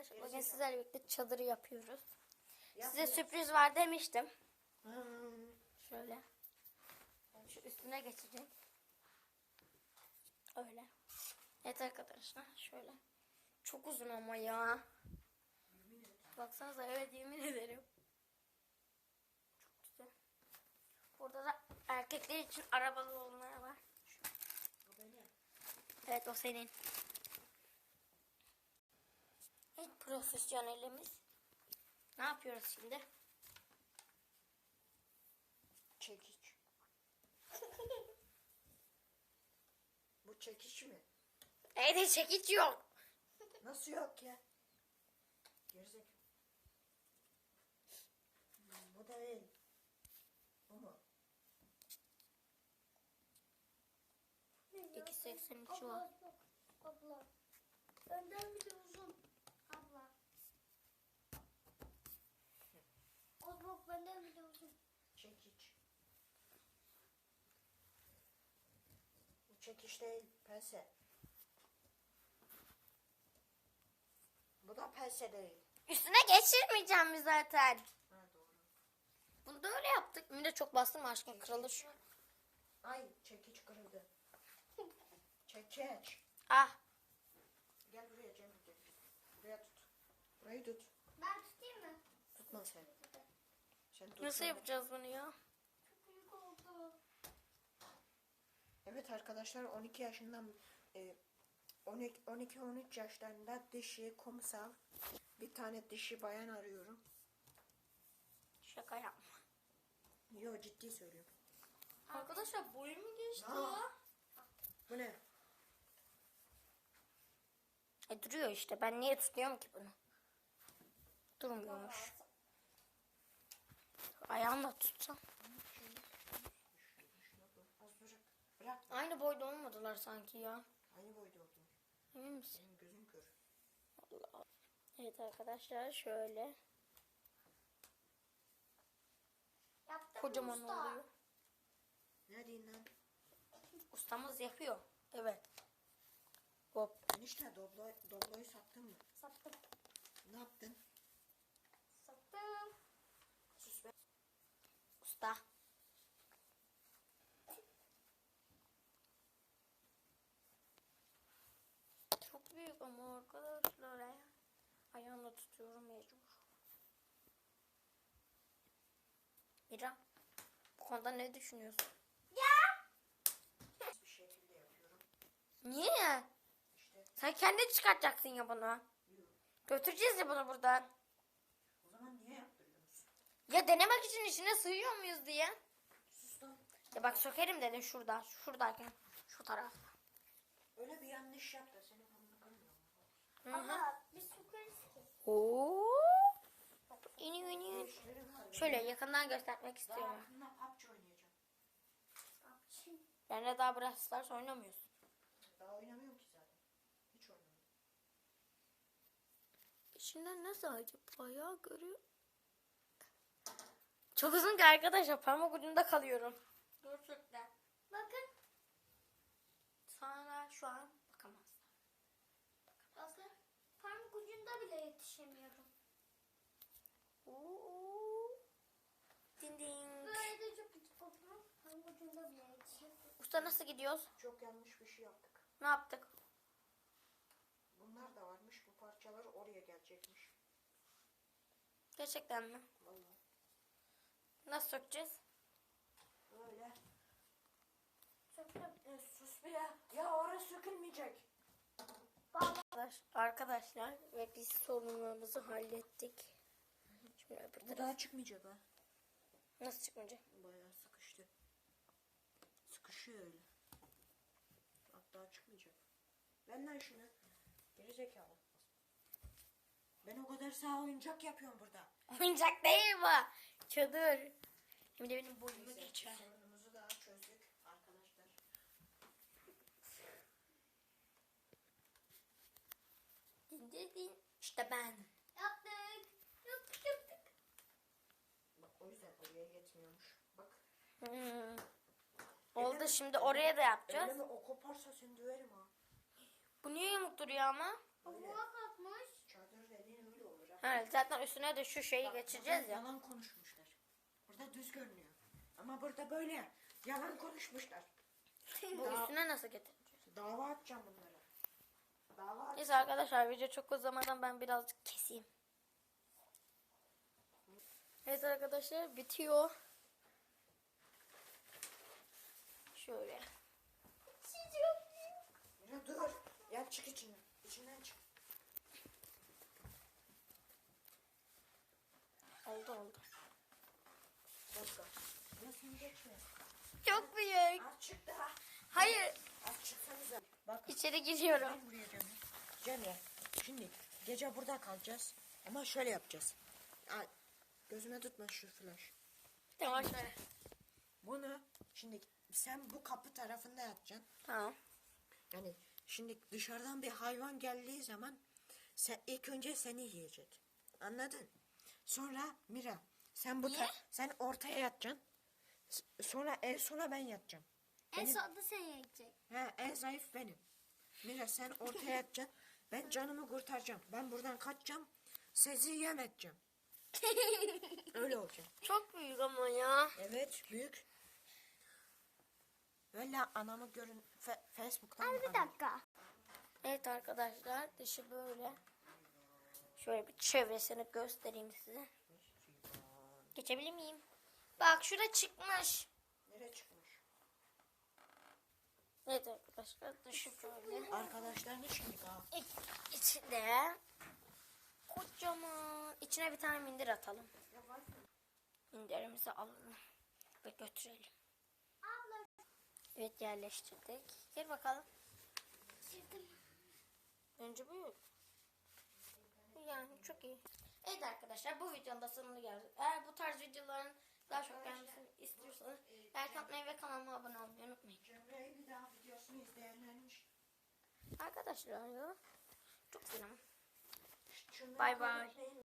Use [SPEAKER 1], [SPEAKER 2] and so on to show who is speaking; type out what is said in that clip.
[SPEAKER 1] arkadaşlar bugün sizlerle birlikte çadırı yapıyoruz. Size sürpriz var demiştim. Şöyle. Şu üstüne geçecek. Öyle. Evet arkadaşlar şöyle. Çok uzun ama ya. Baksanıza, evet yemin ederim. Çok güzel. Burada da erkekler için arabalı olanlar var. Evet, o senin. Evet, profesyonelimiz. Ne yapıyoruz şimdi?
[SPEAKER 2] Çekiç. Bu çekiç mi?
[SPEAKER 1] Evet, çekiç yok.
[SPEAKER 2] Nasıl yok ya? Gerizek. Bu da değil. Bu mu?
[SPEAKER 1] 2.83 var.
[SPEAKER 3] Abla. Önden bir de uzun. Abla. Abla benden bir de uzun.
[SPEAKER 2] Çekiç. Bu çekiç değil, pense. Bu da pense değil.
[SPEAKER 1] Üstüne geçirmeyeceğim mi zaten?
[SPEAKER 2] Ha doğru.
[SPEAKER 1] Bunu da öyle yaptık. Bir de çok bastım aşkım, kırılır şu.
[SPEAKER 2] Ay çekiç kırıldı. Çekiç.
[SPEAKER 1] Ah.
[SPEAKER 2] Gel buraya Cem. Gel. Buraya tut. Burayı tut.
[SPEAKER 3] Ben tutayım mı?
[SPEAKER 2] Tutma sen. Sen tut.
[SPEAKER 1] Nasıl yapacağız bunu ya?
[SPEAKER 3] Çok büyük oldu.
[SPEAKER 2] Evet arkadaşlar 12 yaşından 12-13 yaşlarında dişi kumsal bir tane dişi bayan arıyorum.
[SPEAKER 1] Şaka yapma.
[SPEAKER 2] Yo ciddi söylüyorum.
[SPEAKER 1] Arkadaşlar boyu mu geçti
[SPEAKER 2] Aa.
[SPEAKER 1] ya?
[SPEAKER 2] Bu ne?
[SPEAKER 1] Duruyor işte. Ben niye tutuyorum ki bunu? Durmuyormuş. Ayağımla tutsam.
[SPEAKER 2] Az bırak. Bırak.
[SPEAKER 1] Aynı boyda olmadılar sanki ya.
[SPEAKER 2] Aynı boyda oldu.
[SPEAKER 1] Emin misin?
[SPEAKER 2] Senin gözün kör.
[SPEAKER 1] Allah. Evet arkadaşlar şöyle.
[SPEAKER 3] Yaptım
[SPEAKER 1] Kocaman
[SPEAKER 3] usta.
[SPEAKER 1] oluyor.
[SPEAKER 2] Ne diyeyim lan?
[SPEAKER 1] Ustamız yapıyor. Evet. Hop.
[SPEAKER 2] Enişte Doblo'yu sattın mı?
[SPEAKER 3] Sattım.
[SPEAKER 2] Ne yaptın?
[SPEAKER 3] Sattım.
[SPEAKER 2] Sus be.
[SPEAKER 1] Usta. Çok büyük ama arkadaşlar ya. Ayağımla tutuyorum mecbur. Mira, bu konuda ne düşünüyorsun?
[SPEAKER 2] Bir şekilde yapıyorum.
[SPEAKER 1] Niye?
[SPEAKER 2] İşte.
[SPEAKER 1] Sen kendin çıkartacaksın ya bunu.
[SPEAKER 2] Yok.
[SPEAKER 1] Götüreceğiz ya bunu buradan.
[SPEAKER 2] O zaman niye yaptırıyorsun?
[SPEAKER 1] Ya denemek için içine sığıyor muyuz diye.
[SPEAKER 2] Sus lan.
[SPEAKER 1] Ya bak sökerim dedin şurada. Şuradayken. Şu tarafta.
[SPEAKER 2] Öyle bir yanlış yap da seni burnunu kırmıyor.
[SPEAKER 1] Hı hı.
[SPEAKER 3] Abla biz sokarız ki.
[SPEAKER 1] Oo. İniyor iniyor. Şöyle yakından göstermek
[SPEAKER 2] Daha
[SPEAKER 1] istiyorum.
[SPEAKER 2] yakında PUBG oynayacağım.
[SPEAKER 3] Abçım.
[SPEAKER 1] Benle daha Brawl Stars oynamıyorsun.
[SPEAKER 2] Daha oynamıyorum ki zaten. Hiç oynamıyorum.
[SPEAKER 1] İçinden nasıl acaba ya, görüyor. Çok uzun ki arkadaşlar, parmak ucunda kalıyorum. Gerçekten.
[SPEAKER 3] Bakın.
[SPEAKER 1] Sana şu an bakamazlar.
[SPEAKER 3] Bakın. Parmak ucunda bile yetişemiyorum.
[SPEAKER 1] Oo. Ding ding.
[SPEAKER 3] Böyle de çok küçük olurum. Parmak ucunda bile yetişemiyorum.
[SPEAKER 1] Usta nasıl gidiyoruz?
[SPEAKER 2] Çok yanlış bir şey yaptık.
[SPEAKER 1] Ne yaptık?
[SPEAKER 2] Bunlar da varmış. Bu parçalar oraya gelecekmiş.
[SPEAKER 1] Gerçekten mi?
[SPEAKER 2] Vallahi.
[SPEAKER 1] Nasıl sökeceğiz?
[SPEAKER 2] Böyle.
[SPEAKER 3] Söktüm.
[SPEAKER 2] Sus be ya. Ya orası sökülmeyecek.
[SPEAKER 1] Arkadaşlar ve biz sorunlarımızı hallettik. Şimdi öbür
[SPEAKER 2] Bu
[SPEAKER 1] taraf.
[SPEAKER 2] daha çıkmayacak ha.
[SPEAKER 1] Nasıl çıkmayacak?
[SPEAKER 2] Bayağı sıkıştı. Sıkışıyor öyle. Hatta çıkmayacak. Ver lan şunu. Geri zekalı. Ben o kadar sağ oyuncak yapıyorum burada.
[SPEAKER 1] Oyuncak değil bu. Çadır. Şimdi benim boyumu
[SPEAKER 2] Neyse,
[SPEAKER 1] geçer.
[SPEAKER 2] sorunumuzu daha çözdük arkadaşlar.
[SPEAKER 1] Din din din. İşte ben.
[SPEAKER 3] Yaptık. Yaptık.
[SPEAKER 2] Bak o yüzden oraya yetmiyormuş. Bak.
[SPEAKER 1] Hmm. Oldu, şimdi oraya da yapacağız.
[SPEAKER 2] Öyle mi? O koparsa seni döverim ha.
[SPEAKER 1] Bu niye yamuk duruyor ama?
[SPEAKER 2] Öyle.
[SPEAKER 3] Kabuğa kalkmış.
[SPEAKER 2] Çadır dediğin
[SPEAKER 1] Evet, zaten üstüne de şu şeyi geçireceğiz
[SPEAKER 2] Burada
[SPEAKER 1] ya.
[SPEAKER 2] yalan konuşmuşlar. Burada düz görünüyor. Ama burada böyle yalan konuşmuşlar.
[SPEAKER 1] Bu üstüne nasıl getireceğiz?
[SPEAKER 2] Dava atacağım bunlara. Dava at.
[SPEAKER 1] Neyse arkadaşlar, video çok uzamadan ben birazcık keseyim. Evet arkadaşlar, bitiyor. Şöyle.
[SPEAKER 2] Ya dur. Ya çık içinden. İçinden çık.
[SPEAKER 1] Oldu.
[SPEAKER 2] Dakika. Ya sen geçme.
[SPEAKER 1] Çok büyük.
[SPEAKER 2] Az çık daha.
[SPEAKER 1] Hayır.
[SPEAKER 2] Az çıksanıza. Bak.
[SPEAKER 1] İçeri giriyorum.
[SPEAKER 2] Ben buraya Cemre. Cemre. Şimdi gece burada kalacağız. Ama şöyle yapacağız. Ay, gözüme tutma şu flash.
[SPEAKER 1] Tamam şöyle.
[SPEAKER 2] Bunu şimdi sen bu kapı tarafında yatacaksın.
[SPEAKER 1] Tamam.
[SPEAKER 2] Yani şimdi dışarıdan bir hayvan geldiği zaman sen, ilk önce seni yiyecek. Anladın? Sonra Mira sen
[SPEAKER 1] Niye?
[SPEAKER 2] sen ortaya yatacaksın. Sonra en sona ben yatacağım.
[SPEAKER 3] En sonunda sen yiyecek.
[SPEAKER 2] He, en zayıf benim. Mira sen ortaya yatacaksın. Ben canımı kurtaracağım. Ben buradan kaçacağım. Sizi yem edeceğim. Öyle olacak.
[SPEAKER 1] Çok büyük ama ya.
[SPEAKER 2] Evet büyük. Öyle anamı görün Facebook'tan.
[SPEAKER 3] Abi bir dakika.
[SPEAKER 1] Evet arkadaşlar, dışı böyle. Şöyle bir çevresini göstereyim size. Geçebilir miyim? Bak şurada çıkmış.
[SPEAKER 2] Nereye çıkmış?
[SPEAKER 1] Evet arkadaşlar, dışı böyle.
[SPEAKER 2] Arkadaşlarını şimdi ha.
[SPEAKER 1] İçinde kocaman. İçine bir tane mindir atalım. Minderimizi alalım ve götürelim.
[SPEAKER 3] Abla.
[SPEAKER 1] Evet, yerleştirdik. Gel bakalım.
[SPEAKER 3] Girdim.
[SPEAKER 1] Önce bu. Yani çok iyi. Evet arkadaşlar, bu videonun da sonuna geldik. Eğer bu tarz videoların daha çok gelmesini istiyorsanız like atmayı ve kanalıma abone olmayı unutmayın.
[SPEAKER 2] Cemre'yi bir daha videosunu izleyenlermiş.
[SPEAKER 1] Arkadaşlar ya, çok selam.
[SPEAKER 2] Şunları
[SPEAKER 1] Bay bay.
[SPEAKER 2] kapatmayın.